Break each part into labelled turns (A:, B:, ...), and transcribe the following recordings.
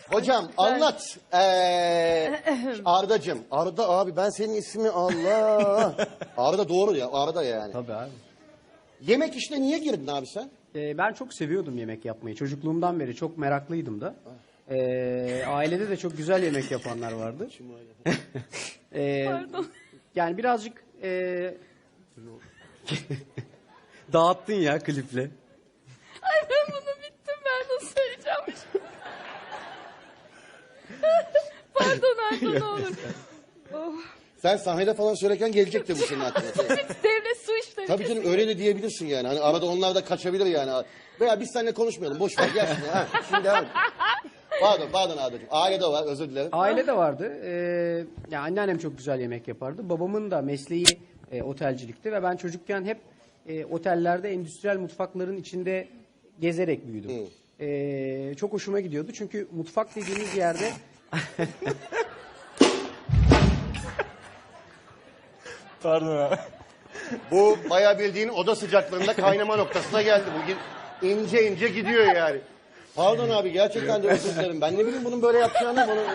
A: Hocam anlat. Ardacığım. Arda abi ben senin ismi Allah. Arda doğru ya. Arda yani.
B: Tabii abi.
A: Yemek işine niye girdin abi sen?
B: Ben çok seviyordum yemek yapmayı. Çocukluğumdan beri çok meraklıydım da. Ailede de çok güzel yemek yapanlar vardı.
C: Pardon.
B: Yani birazcık dağıttın ya kliple.
C: Ay ben bunu bittim, ben nasıl söyleyeceğim? Pardon Arda, ne olur. Oh.
A: Sen sahnede falan söylerken gelecek de bu senin aklına.
C: Devlet su işleri.
A: Tabii canım öyle de diyebilirsin yani. Hani arada onlar da kaçabilir yani. Veya biz seninle konuşmayalım. Boş ver gel şimdi. Ha, şimdi devam et. Pardon Arda'cığım. Ailede var, özür dilerim.
B: Aile de vardı. Yani anneannem çok güzel yemek yapardı. Babamın da mesleği otelcilikti ve ben çocukken hep otellerde endüstriyel mutfakların içinde gezerek büyüdüm. Çok hoşuma gidiyordu çünkü mutfak dediğimiz yerde
D: Pardon abi.
A: Bu bayağı bildiğin oda sıcaklığında kaynama noktasına geldi. Bugün ince ince gidiyor yani. Pardon abi gerçekten de özür dilerim. Ben ne bileyim bunun böyle yapacağını bunu...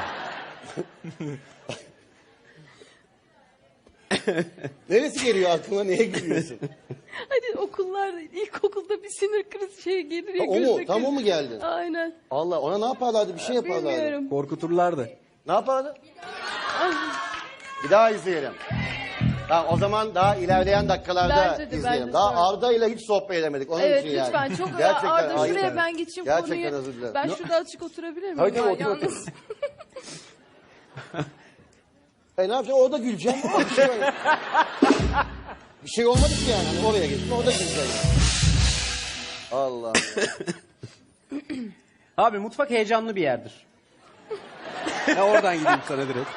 A: Neresi geliyor aklına, neye gülüyorsun?
C: Hadi okullarda, ilkokulda bir sinir krizi şey gelir ya.
A: O mu?
C: gözle
A: Tam o
C: göz-
A: mu geldi?
C: Aynen.
A: Allah, ona ne yaparlardı? Bir şey yaparlardı.
C: Bilmiyorum.
B: korkuturlardı.
A: Ne yapardı? Bir daha izleyelim. Tamam, o zaman daha ilerleyen dakikalarda
C: Bence de,
A: izleyelim.
C: bence
A: Daha
C: de.
A: Arda ile hiç sohbet edemedik. Onun
C: Evet
A: için yani.
C: lütfen çok
A: Gerçekten
C: Arda
A: ayıp.
C: şuraya ben geçeyim
A: Gerçekten
C: konuyu.
A: özür dilerim.
C: Ben şurada açık oturabilir miyim?
A: Tabii, tabii,
C: Ben
A: otur, otur.
C: yalnız.
A: Ne yapacağım? Orada güleceğim. Bir şey, bir şey olmadı ki yani. Hani oraya gittim, orada güleceğim. Allah.
B: Abi mutfak heyecanlı bir yerdir. Ya oradan gideyim sana direkt.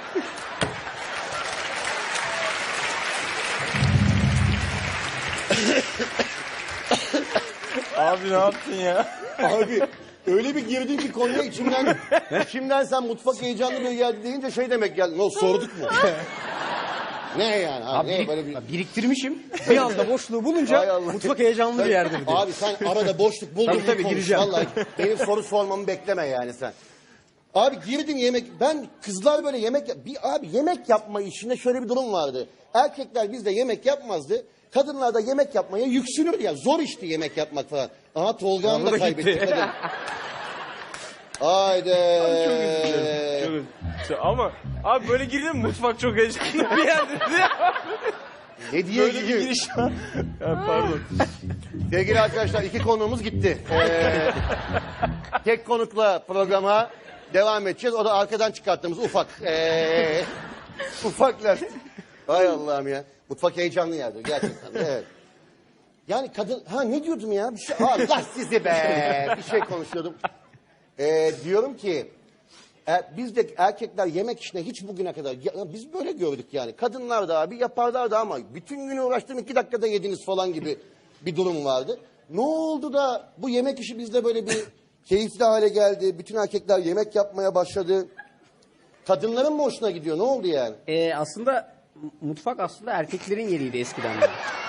D: Abi ne yaptın ya?
A: Abi öyle bir girdin ki konuya içimden sen mutfak heyecanlı bir geldi deyince şey demek geldi. Ne sorduk mu? Ne yani? Ha,
B: Abi
A: ne böyle bir...
B: biriktirmişim. Bir anda boşluğu
A: Hay
B: bulunca
A: Allah.
B: mutfak heyecanlı bir yerdir diye.
A: Abi sen arada boşluk buldun
B: Tabii, tabii,
A: konuş.
B: gireceğim.
A: Vallahi benim soru sormamı bekleme yani sen. Abi girdin yemek. Ben kızlar böyle abi yemek yapma işinde şöyle bir durum vardı. Erkekler bizde yemek yapmazdı. Kadınlar da yemek yapmaya yüksünür ya. Zor işti yemek yapmak falan. Aha Tolga'nı da
B: da
A: kaybettik
B: gitti.
A: kadın. Haydi.
D: Çok üzüldüm. Ama abi böyle girdin mi mutfak çok heyecanlı bir yerdir.
A: Ne diye
D: Böyle bir
A: gidiyor?
D: giriş var. Ya, pardon.
A: Sevgili arkadaşlar iki konuğumuz gitti. Tek konukla programa devam edeceğiz. O da arkadan çıkarttığımız ufak. Ufaklar. Hay Allah'ım ya. Mutfak heyecanlı yerdir gerçekten. Evet. Yani kadın... Ha ne diyordum ya? Bir şey... Allah sizi be! Bir şey konuşuyordum. Diyorum ki... bizde erkekler yemek işine hiç bugüne kadar... biz böyle gördük yani. Kadınlar da abi yaparlardı ama... bütün günü uğraştım 2 dakikada yediniz falan gibi bir durum vardı. Ne oldu da bu yemek işi bizde böyle bir keyifli hale geldi? Bütün erkekler yemek yapmaya başladı. Kadınların mı hoşuna gidiyor? Ne oldu yani?
B: Aslında mutfak aslında erkeklerin yeriydi eskiden. De.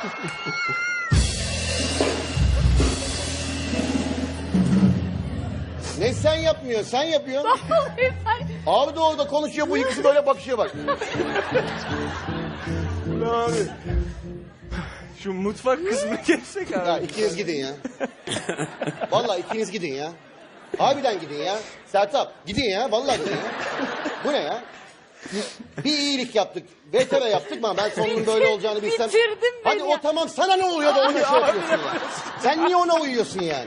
A: Ne sen yapmıyorsun? Sen yapıyorsun.
C: Vallahi ben...
A: Abi de orada konuşuyor. Bu ikisi böyle bakışıyor bak.
D: Abi. Şu mutfak kısmını geçsek abi.
A: Ya ikiniz gidin ya. Vallahi ikiniz gidin ya. Harbiden gidin ya. Sertap gidin ya. Vallahi gidin ya. Bu ne ya? Bir iyilik yaptık. VTV yaptık mı? Ben sonunun böyle olacağını bilsem.
C: Bitirdin beni
A: Hadi
C: ya.
A: o tamam sana ne oluyor da ona şey yapıyorsun ya. Sen niye ona uyuyorsun yani?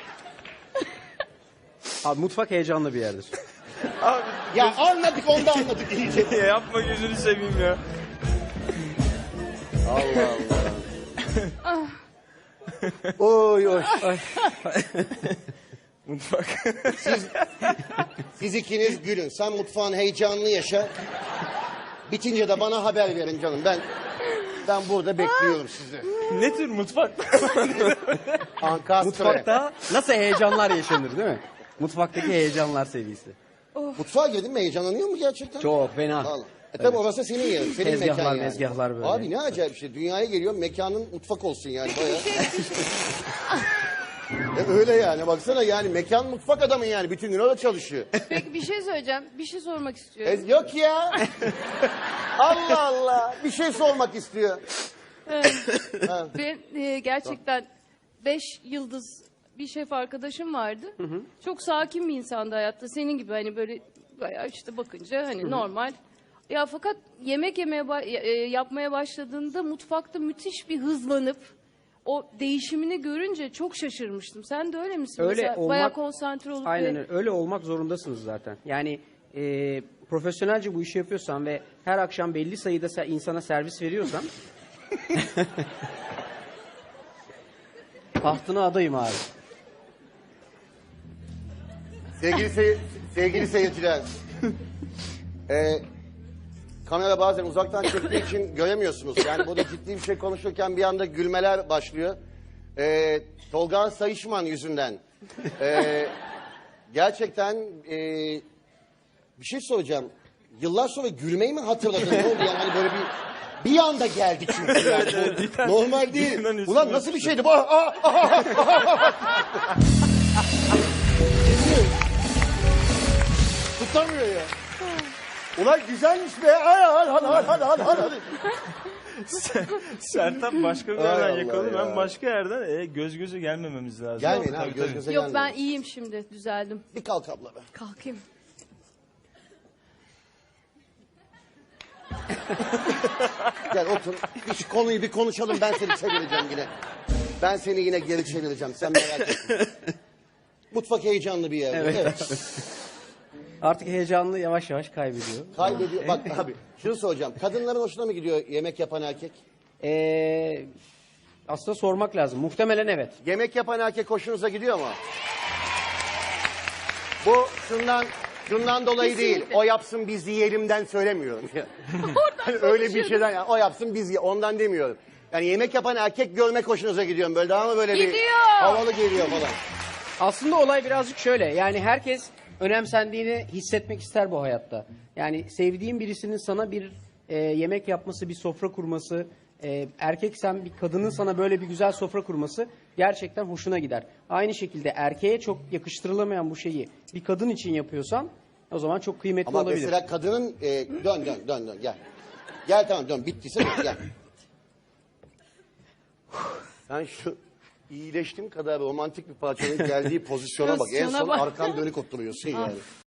B: Abi mutfak heyecanlı bir yerdir.
D: Abi
A: Ya anladık onda anladık iyice.
D: yapma gözünü seveyim ya.
A: Allah Allah. Oy oy.
D: Mutfak.
A: Siz ikiniz gülün. Sen mutfağın heyecanını yaşa. Bitince de bana haber verin canım. Ben burada bekliyorum sizi.
D: Ne tür mutfak?
A: Ankastre.
B: Mutfakta nasıl heyecanlar yaşanır değil mi? Mutfaktaki heyecanlar seviyesi.
A: Mutfağa girdin mi heyecanlanıyor mu gerçekten?
B: Çok fena.
A: Allah. Tabii orası senin yerin. Senin
B: Tezgahlar,
A: mekan yani.
B: mezgahlar böyle.
A: Abi ne acayip bir şey. Dünyaya geliyor mekanın mutfak olsun yani. Bayağı. Öyle yani baksana yani mekan mutfak adamı yani bütün gün orada çalışıyor.
C: Peki bir şey söyleyeceğim. Bir şey sormak istiyorum.
A: Yok ya. Allah Allah. Bir şey sormak istiyor.
C: Ben gerçekten 5 yıldız bir şef arkadaşım vardı. Çok sakin bir insandı hayatta. Senin gibi hani böyle bayağı işte bakınca hani normal. Ya fakat yemek yapmaya başladığında mutfakta müthiş bir hızlanıp o değişimini görünce çok şaşırmıştım. Sen de öyle misin?
B: Öyle
C: Mesela
B: olmak-
C: bayağı konsantre olup
B: Aynen öyle. Öyle olmak zorundasınız zaten. Yani profesyonelce bu işi yapıyorsan ve her akşam belli sayıda insana servis veriyorsan tahtına adayım abi.
A: Sevgili seyirciler. Kamera bazen uzaktan çektiği için göremiyorsunuz. Yani burada ciddi bir şey konuşurken bir anda gülmeler başlıyor. Tolga Sayışman yüzünden. Gerçekten bir şey soracağım. Yıllar sonra gülmeyi mi hatırladın? Ne oldu yani hani böyle bir anda geldi çünkü yani. Bu normal değil. Ulan nasıl bir şeydi bu? Tutamıyor ya. Ulan güzelmiş be. Hadi.
D: Sertab başka bir
A: Ay
D: yerden
A: Allah
D: yakaladı.
A: ya.
D: Ben başka yerden göz göze gelmememiz lazım.
A: Gelmeyin abi
D: Tabii,
A: göz
D: tabii.
A: göze
C: Yok
A: gelmeyin.
C: ben iyiyim şimdi düzeldim.
A: Bir kalk abla be.
C: Kalkayım.
A: Gel otur. Şu konuyu bir konuşalım. Ben seni çevireceğim yine. Ben seni yine geri çevireceğim. Sen merak etme. Mutfak heyecanlı bir yer. Evet.
B: Artık heyecanlı yavaş yavaş kaybediyor.
A: Kaybediyor. Bak abi şunu soracağım. Kadınların hoşuna mı gidiyor yemek yapan erkek?
B: Aslında sormak lazım. Muhtemelen evet.
A: Yemek yapan erkek hoşunuza gidiyor mu? Bu şundan dolayı değil.
C: Kesinlikle.
A: O yapsın biz yiyelimden söylemiyorum. Hani öyle bir şeyden yani, o yapsın biz ondan demiyorum. Yani yemek yapan erkek görmek hoşunuza gidiyor mu? Böyle daha mı böyle bir
C: Gidiyor.
A: havalı geliyor falan.
B: Aslında olay birazcık şöyle. Yani herkes önemsendiğini hissetmek ister bu hayatta. Yani sevdiğin birisinin sana bir yemek yapması, bir sofra kurması, erkeksen bir kadının sana böyle bir güzel sofra kurması gerçekten hoşuna gider. Aynı şekilde erkeğe çok yakıştırılamayan bu şeyi bir kadın için yapıyorsan o zaman çok kıymetli
A: Ama
B: olabilir.
A: mesela kadının dön gel. Gel tamam dön bittiyse dön gel. Sen şu iyileştiğim kadar romantik bir parçanın geldiği pozisyona bak. En
C: Pozisyona
A: son
C: bak.
A: arkan dönük oturuyorsun yani.